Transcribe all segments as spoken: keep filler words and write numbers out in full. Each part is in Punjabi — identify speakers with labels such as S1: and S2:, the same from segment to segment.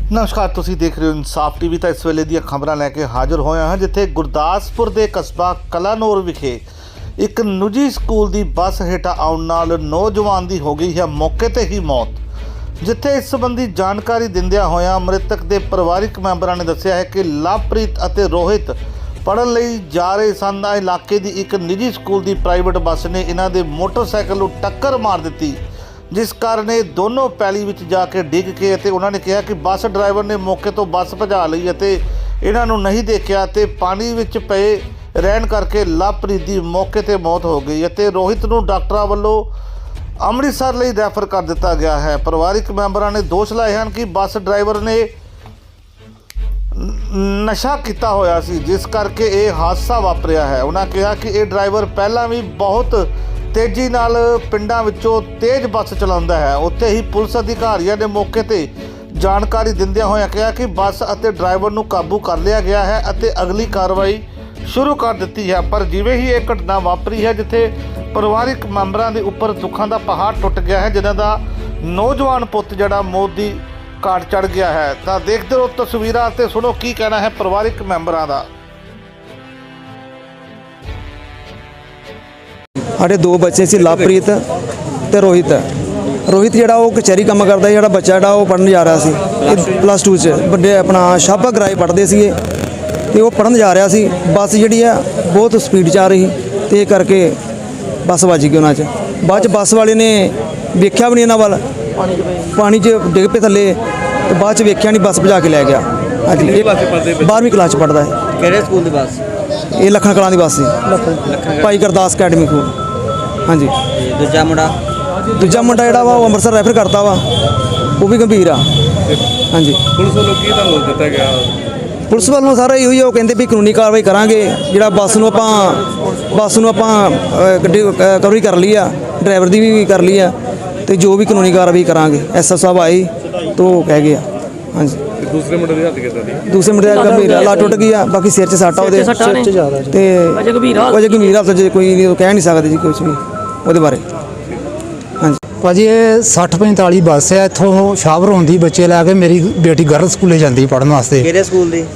S1: नमस्कार, तुसी देख रहे हो इंसाफ टीवी। तो इस वेले दी खबरां लैके हाज़र होए हां जिथे गुरदासपुर के कस्बा कलानौर विखे एक निजी स्कूल की बस हेठा आउण नाल नौजवान की हो गई है मौके ते ही मौत। जिथे इस संबंधी जानकारी दिंदियां होया मृतक के परिवारिक मैंबरां ने दस्सिया है कि लवप्रीत अते रोहित पढ़न लई जा रहे सन। इलाके की एक निजी स्कूल की प्राइवेट बस ने इन्हां दे मोटरसाइकिल नूं टक्कर मार दी, जिस कारण ये दोनों पैली विच जाके डिग के ते उन्होंने कहा कि बस ड्राइवर ने मौके तो बस भजा लई ते इन्हां नूं नहीं देखा ते पानी विच पए रहन करके लवप्रीत की मौके ते मौत हो गई ते रोहित नूं डॉक्टरां वल्लों अमृतसर लई रैफर कर दिता गया है। परिवारिक मैंबरां ने दोष लाए हैं कि बस ड्राइवर ने नशा किया होया सी, जिस करके ये हादसा वापरिया है। उन्होंने कहा कि ये ड्राइवर पहलां भी बहुत तेजी नाल पिंडां विचों तेज बस चलाउंदा है। उत्थे ही पुलिस अधिकारियों ने मौके ते जानकारी दिंदियां होया कहा कि बस अते ड्राइवर नूं काबू कर लिया गया है अते अगली कार्रवाई शुरू कर दी है। पर जिवें ही एक घटना वापरी है जिथे परिवारिक मैंबरां दे उपर दुखां दा पहाड़ टुट गया है, जिन्हां दा नौजवान पुੱਤ जिहड़ा मौत दी घाट चढ़ गया है। तां देखदे रहो तस्वीरां ते सुनो की कहना है परिवारिक मैंबरां दा।
S2: साढ़े दो बच्चे से लवप्रीत ते रोहित। रोहित जिहड़ा वो कचहरी काम करता, जिहड़ा बच्चा जिहड़ा वो पढ़न जा रहा सी प्लस टू च बड़े अपना शाबा गराए पढ़ते सी ते वो पढ़न जा रहा सी। बस जिहड़ी है बहुत स्पीड च आ रही ते करके बस वज गई उन्हां च। बाद च बस वाले ने वेख्या भी नहीं इन्हां वल, पानी च डिग पे थल्ले ते बाद च वेख्या नहीं, बस भजा के लै गया। हाँ जी, बारहवीं क्लास च पढ़ता है।
S3: किहड़े स्कूल दी बस?
S2: ये लखन कलां दी बस सी, भाई गुरदास अकैडमी को। हाँ जी,
S3: दूजा मुंडा
S2: दूजा मुंडा जिहड़ा वा वो अमृतसर रैफर करता वा, वो भी गंभीर आ। हाँ जी,
S4: पुलिस वालों की ਤੁਹਾਨੂੰ ਦਿੱਤਾ ਗਿਆ?
S2: पुलिस वालों सारा ਇਹੋ ਹੀ ਉਹ ਕਹਿੰਦੇ ਵੀ ਕਾਨੂੰਨੀ ਕਾਰਵਾਈ ਕਰਾਂਗੇ। ਜਿਹੜਾ ਬੱਸ ਨੂੰ ਆਪਾਂ ਬੱਸ ਨੂੰ ਆਪਾਂ ਗੱਡੀ ਕਵਰੀ ਕਰ ਲਈ ਆ, ਡਰਾਈਵਰ ਦੀ ਵੀ ਕਰ ਲਈ ਆ ਤੇ ਜੋ ਵੀ ਕਾਨੂੰਨੀ ਕਾਰਵਾਈ ਕਰਾਂਗੇ। ਐਸ ਐਸ ਸਾਹਿਬ ਆਏ तो ਕਹਿ ਗਏ। हाँ जी,
S4: दूसरे मुंडे ਦੀ ਹੱਥ ਕਿੱਦਾਂ ਦੀ?
S2: दूसरे मुंडे ਦਾ ਗੰਭੀਰ ਆ, ਲੱਤ ਟੁੱਟ ਗਈ ਆ, ਬਾਕੀ ਸਿਰ 'ਚ ਸੱਟ ਆ ਉਹਦੇ ਤੇ ਅਜੇ ਗੰਭੀਰ ਹਾਲਤ 'ਚ ਕੋਈ ਨਹੀਂ ਕਹਿ ਨਹੀਂ ਸਕਦਾ ਜੀ ਕੁਝ ਵੀ ਉਹਦੇ ਬਾਰੇ। ਹਾਂਜੀ
S5: ਭਾਜੀ ਇਹ ਸੱਠ ਪੰਤਾਲੀ ਬੱਸ ਹੈ ਇੱਥੋਂ ਸ਼ਾਹਪੁਰ ਹੁੰਦੀ ਬੱਚੇ ਲੈ ਕੇ ਮੇਰੀ ਬੇਟੀ ਗਰਲ ਸਕੂਲੇ ਜਾਂਦੀ ਪੜ੍ਹਨ ਵਾਸਤੇ।
S3: ਕਿਹੜੇ ਸਕੂਲ ਦੀ?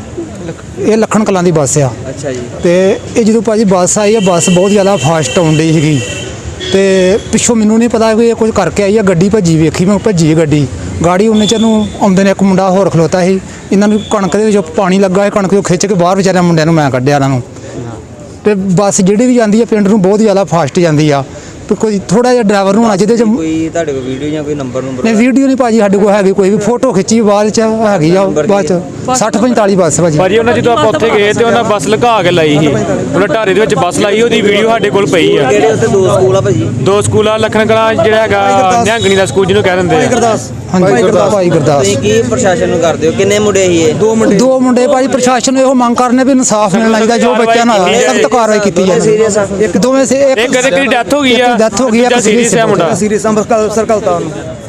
S5: ਇਹ ਲੱਖਣ ਕਲਾਂ ਦੀ ਬੱਸ ਆ।
S3: ਅੱਛਾ ਜੀ।
S5: ਤੇ ਇਹ ਜਦੋਂ ਭਾਜੀ ਬੱਸ ਆਈ ਹੈ, ਬੱਸ ਬਹੁਤ ਜ਼ਿਆਦਾ ਫਾਸਟ ਆਉਣ ਡਈ ਸੀਗੀ ਤੇ ਪਿੱਛੋਂ ਮੈਨੂੰ ਨਹੀਂ ਪਤਾ ਵੀ ਇਹ ਕੁਝ ਕਰਕੇ ਆਈ ਆ। ਗੱਡੀ ਭੱਜੀ, ਵੇਖੀ ਮੈਂ ਭੱਜੀ ਗੱਡੀ ਗਾੜੀ ਉਹਨੇ ਚ ਨੂੰ ਆਉਂਦੇ ਨੇ। ਇੱਕ ਮੁੰਡਾ ਹੋਰ ਖਲੋਤਾ ਸੀ, ਇਹਨਾਂ ਨੂੰ ਕਣਕ ਦੇ ਵਿੱਚ ਪਾਣੀ ਲੱਗਾ ਹੈ, ਕਣਕ ਨੂੰ ਖਿੱਚ ਕੇ ਬਾਹਰ ਵਿਚਾਰਿਆਂ ਮੁੰਡਿਆਂ ਨੂੰ ਮੈਂ ਕੱਢਿਆ ਇਹਨਾਂ ਨੂੰ। ਤੇ ਬੱਸ ਜਿਹੜੀ ਵੀ ਜਾਂਦੀ ਹੈ ਪਿੰਡ ਨੂੰ ਬਹੁਤ ਜ਼ਿਆਦਾ ਫਾਸਟ ਜਾਂਦੀ ਆ। ਤੇ ਕੋਈ ਥੋੜਾ ਜਿਹਾ ਡਰਾਈਵਰ ਨੂੰ ਹੋਣਾ ਜਿਹਦੇ ਚ
S3: ਕੋਈ ਤੁਹਾਡੇ ਕੋਲ ਵੀਡੀਓ ਜਾਂ ਕੋਈ ਨੰਬਰ ਨੰਬਰ?
S5: ਨਹੀਂ, ਵੀਡੀਓ ਨਹੀਂ ਭਾਜੀ ਸਾਡੇ ਕੋਲ ਹੈਗੀ, ਕੋਈ ਵੀ ਫੋਟੋ ਖਿੱਚੀ ਬਾਅਦ ਚ ਹੈਗੀ ਆ। ਬਾਅਦ ਚ ਸੱਠ ਪੰਤਾਲੀ ਬੱਸ ਭਾਜੀ।
S4: ਭਾਜੀ ਉਹਨਾਂ ਜਦੋਂ ਆਪਾਂ ਉੱਥੇ ਗਏ ਤੇ ਉਹਨਾਂ ਬੱਸ ਲਗਾ ਕੇ ਲਾਈ ਸੀ, ਉਹਨਾਂ ਢਾਰੇ ਦੇ ਵਿੱਚ ਬੱਸ ਲਾਈ, ਉਹਦੀ ਵੀਡੀਓ ਸਾਡੇ ਕੋਲ ਪਈ ਆ।
S3: ਕਿਹੜੇ ਉੱਥੇ ਦੋ ਸਕੂਲ ਆ ਭਾਜੀ?
S4: ਦੋ ਸਕੂਲ ਆ, ਲਖਨ ਕਲਾਂ ਜਿਹੜਾ ਹੈਗਾ ਨਿਹੰਗਣੀ ਦਾ ਸਕੂਲ ਜਿਹਨੂੰ ਕਹਿ ਦਿੰਦੇ ਆ।
S2: ਗੁਰਦਾਸ।
S5: ਹਾਂਜੀ ਗੁਰਦਾਸ ਭਾਈ ਗੁਰਦਾਸ।
S3: ਤੁਸੀਂ ਕੀ ਪ੍ਰਸ਼ਾਸਨ ਨੂੰ ਕਰਦੇ ਹੋ? ਕਿੰਨੇ ਮੁੰਡੇ ਸੀ ਇਹ?
S2: ਦੋ ਮੁੰਡੇ
S5: ਦੋ ਮੁੰਡੇ ਭਾਜੀ। ਪ੍ਰਸ਼ਾਸਨ ਨੂੰ ਇਹੋ ਮੰਗ ਕਰਨੇ ਵੀ ਇਨਸਾਫ ਮਿਲਣਾ ਚਾਹੀਦਾ, ਜੋ ਬੱਚਿਆਂ ਨਾਲ ਸਖਤ ਕਾਰਵਾਈ ਕੀਤੀ ਜਾਵੇ। ਇੱਕ ਦੋਵੇਂ ਸੇ
S4: ਇੱਕ ਕਦੇ ਕਿਹਦੀ ਡੈਥ ਹੋ ਗਈ ਆ,
S5: ਡੈਥ ਹੋ ਗਈ ਆ,
S4: ਸੀਰੀਅਸ ਹੈ ਮੁੰਡਾ।
S2: ਸੀਰੀਅਸ ਅੰਮ੍ਰਿਤਸਰ ਸਰਕਲ ਤਾਂ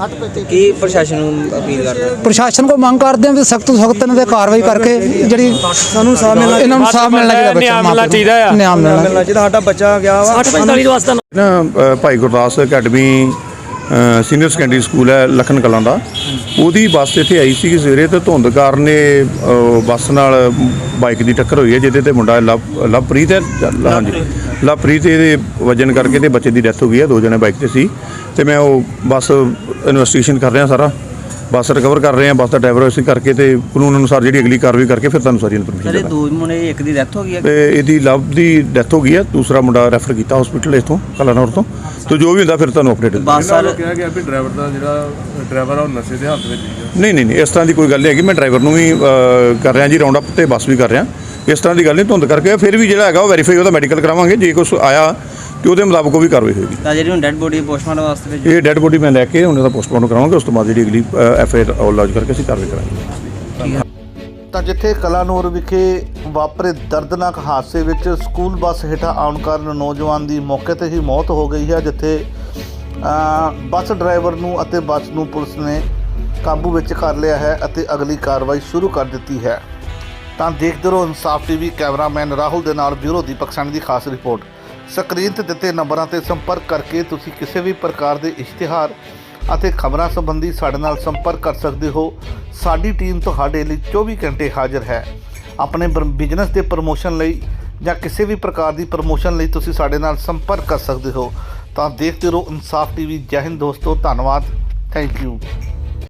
S3: ਕੀ ਪ੍ਰਸ਼ਾਸਨ ਨੂੰ ਅਪੀਲ ਕਰਦੇ ਹੋ?
S5: ਪ੍ਰਸ਼ਾਸਨ ਕੋ ਮੰਗ ਕਰਦੇ ਆ ਵੀ ਸਖਤ ਤੋਂ ਸਖਤ ਇਹਨਾਂ ਤੇ ਕਾਰਵਾਈ ਕਰਕੇ ਜਿਹੜੀ
S2: ਸਾਨੂੰ ਇਨਸਾਫ ਮਿਲਣਾ,
S5: ਇਹਨਾਂ ਨੂੰ ਇਨਸਾਫ ਮਿਲਣਾ ਚਾਹੀਦਾ।
S4: ਨਿਆਂ ਮਿਲਣਾ ਚਾਹੀਦਾ ਆ।
S5: ਨਿਆਂ ਮਿਲਣਾ
S2: ਮਿਲਣਾ ਚਾਹੀਦਾ। ਸਾਡਾ ਬੱਚਾ ਗਿਆ ਵਾ
S6: ਸੱਠ ਪੰਤਾਲੀ ਦੇ ਵਾਸਤੇ
S7: ਨਾ Bhai Gurdas academy senior secondary school ਹੈ ਲਖਨ ਕਲਾਂ ਦਾ। ਉਹਦੀ ਬੱਸ ਇੱਥੇ ਆਈ ਸੀ ਸਵੇਰੇ ਤੇ ਧੁੰਦ ਕਾਰਨ ਇਹ ਬੱਸ ਨਾਲ ਬਾਈਕ ਦੀ ਟੱਕਰ ਹੋਈ ਹੈ, ਜਿਹਦੇ ਤੇ ਮੁੰਡਾ ਲਵ ਲਵਪ੍ਰੀਤ ਹੈ। ਹਾਂਜੀ, ਲਵਪ੍ਰੀਤ ਇਹਦੇ ਵਜਨ ਕਰਕੇ ਤੇ ਬੱਚੇ ਦੀ ਡੈਥ ਹੋ ਗਈ ਹੈ। ਦੋ ਜਣੇ ਬਾਈਕ ਤੇ ਸੀ ਤੇ ਮੈਂ ਉਹ ਬੱਸ ਇਨਵੈਸਟੀਗੇਸ਼ਨ ਕਰ ਰਿਹਾ, ਸਾਰਾ ਬੱਸ ਰਿਕਵਰ ਕਰ ਰਹੇ ਹਾਂ, ਬੱਸ ਦਾ ਡਰਾਈਵਰ ਅਸੀਂ ਕਰਕੇ ਤੇ ਕਾਨੂੰਨ ਅਨੁਸਾਰ ਜਿਹੜੀ ਅਗਲੀ ਕਾਰਵਾਈ ਕਰਕੇ ਫਿਰ ਤੁਹਾਨੂੰ ਸਾਰੀ ਇਨਫੋਰਮੇਸ਼ਨ
S3: ਜਿਹੜੇ ਦੋ ਮੁੰਡੇ, ਇੱਕ ਦੀ ਡੈਥ ਹੋ ਗਈ ਹੈ
S7: ਤੇ ਇਹਦੀ ਲਵ ਦੀ ਡੈਥ ਹੋ ਗਈ ਹੈ, ਦੂਸਰਾ ਮੁੰਡਾ ਰੈਫਰ ਕੀਤਾ ਹਸਪੀਟਲ ਇੱਥੋਂ ਕਲਾਨੌਰ ਤੋਂ। ਤੇ ਜੋ ਵੀ ਹੁੰਦਾ ਫਿਰ ਤੁਹਾਨੂੰ ਅਪਡੇਟ
S3: ਬੱਸ ਸਰ
S4: ਕਿਹਾ ਗਿਆ ਵੀ ਡਰਾਈਵਰ ਦਾ ਜਿਹੜਾ ਡਰਾਈਵਰ ਆ ਉਹ ਨਸ਼ੇ ਦੇ ਹੱਥ ਵਿੱਚ ਹੀ
S7: ਨਹੀਂ ਨਹੀਂ ਨਹੀਂ ਇਸ ਤਰ੍ਹਾਂ ਦੀ ਕੋਈ ਗੱਲ ਨਹੀਂ ਹੈਗੀ। ਮੈਂ ਡਰਾਈਵਰ ਨੂੰ ਵੀ ਕਰ ਰਿਹਾ ਜੀ ਰਾਉਂਡ ਅਪ ਤੇ ਬੱਸ ਵੀ ਕਰ ਰਿਹਾ। ਇਸ ਤਰ੍ਹਾਂ ਦੀ ਗੱਲ ਨਹੀਂ, ਧੁੰਦ ਕਰਕੇ ਫਿਰ ਵੀ ਜਿਹੜਾ ਹੈਗਾ ਉਹ ਵੈਰੀਫਾਈ ਉਹਦਾ ਮੈਡੀਕਲ ਕਰਾਵਾਂਗੇ। ਜੇ ਕੁਛ ਆਇਆ ਤੇ ਉਹਦੇ ਮੁਤਾਬਕ ਉਹ ਵੀ ਕਾਰਵਾਈ ਹੋਏਗੀ।
S3: ਤਾਂ ਜਿਹੜੀ ਹੁਣ ਡੈਡ ਬੋਡੀ ਪੋਸਟਮਾਰਟਮ ਵਾਸਤੇ ਭੇਜੀ?
S7: ਇਹ ਡੈਡ ਬੋਡੀ ਮੈਂ ਲੈ ਕੇ ਉਹਨਾਂ ਦਾ ਪੋਸਟਮਾਰਟਮ ਕਰਾਵਾਂਗੇ, ਉਸ ਤੋਂ ਬਾਅਦ ਜਿਹੜੀ ਅਗਲੀ ਐਫ ਆਈ ਆਰ ਲੌਜ ਕਰਕੇ ਅਸੀਂ ਕਾਰਵਾਈ ਕਰਾਂਗੇ।
S1: ਤਾਂ ਜਿੱਥੇ ਕਲਾਨੌਰ ਵਿਖੇ ਵਾਪਰੇ ਦਰਦਨਾਕ ਹਾਦਸੇ ਵਿੱਚ ਸਕੂਲ ਬੱਸ ਹੇਠਾਂ ਆਉਣ ਕਾਰਨ ਨੌਜਵਾਨ ਦੀ ਮੌਕੇ ਤੇ ਹੀ ਮੌਤ ਹੋ ਗਈ ਹੈ, ਜਿੱਥੇ ਬੱਸ ਡਰਾਈਵਰ ਨੂੰ ਅਤੇ ਬੱਸ ਨੂੰ ਪੁਲਿਸ ਨੇ ਕਾਬੂ ਵਿੱਚ ਕਰ ਲਿਆ ਹੈ ਅਤੇ ਅਗਲੀ ਕਾਰਵਾਈ ਸ਼ੁਰੂ ਕਰ ਦਿੱਤੀ ਹੈ। ਤਾਂ ਦੇਖਦੇ ਰਹੋ इंसाफ टीवी। कैमरामैन राहुल ਦੇ ਨਾਲ ਬਿਊਰੋ ਦੀਪਕ ਸਾਨੀ ਦੀ ਖਾਸ ਰਿਪੋर्ट। ਸਕਰੀਨ ਤੇ ਦਿੱਤੇ ਨੰਬਰਾਂ ਤੇ ਸੰਪਰਕ ਕਰਕੇ ਤੁਸੀਂ ਕਿਸੇ ਵੀ ਪ੍ਰਕਾਰ ਦੇ ਇਸ਼ਤਿਹਾਰ ਅਤੇ ਖਬਰਾਂ ਸੰਬੰਧੀ ਸਾਡੇ ਨਾਲ ਸੰਪਰਕ ਕਰ ਸਕਦੇ ਹੋ। ਸਾਡੀ ਟੀਮ ਤੁਹਾਡੇ ਲਈ ਚੌਵੀ ਘੰਟੇ ਹਾਜ਼ਰ ਹੈ। ਆਪਣੇ ਬਿਜ਼ਨਸ ਦੇ ਪ੍ਰਮੋਸ਼ਨ ਲਈ ਜਾਂ ਕਿਸੇ ਵੀ ਪ੍ਰਕਾਰ ਦੀ ਪ੍ਰਮੋਸ਼ਨ ਲਈ ਤੁਸੀਂ ਸਾਡੇ ਨਾਲ ਸੰਪਰਕ ਕਰ ਸਕਦੇ ਹੋ। ਤਾਂ ਦੇਖਦੇ ਰਹੋ ਇਨਸਾਫ ਟੀਵੀ। ਜੈ ਹਿੰਦ ਦੋਸਤੋ, ਧੰਨਵਾਦ, ਥੈਂਕ ਯੂ।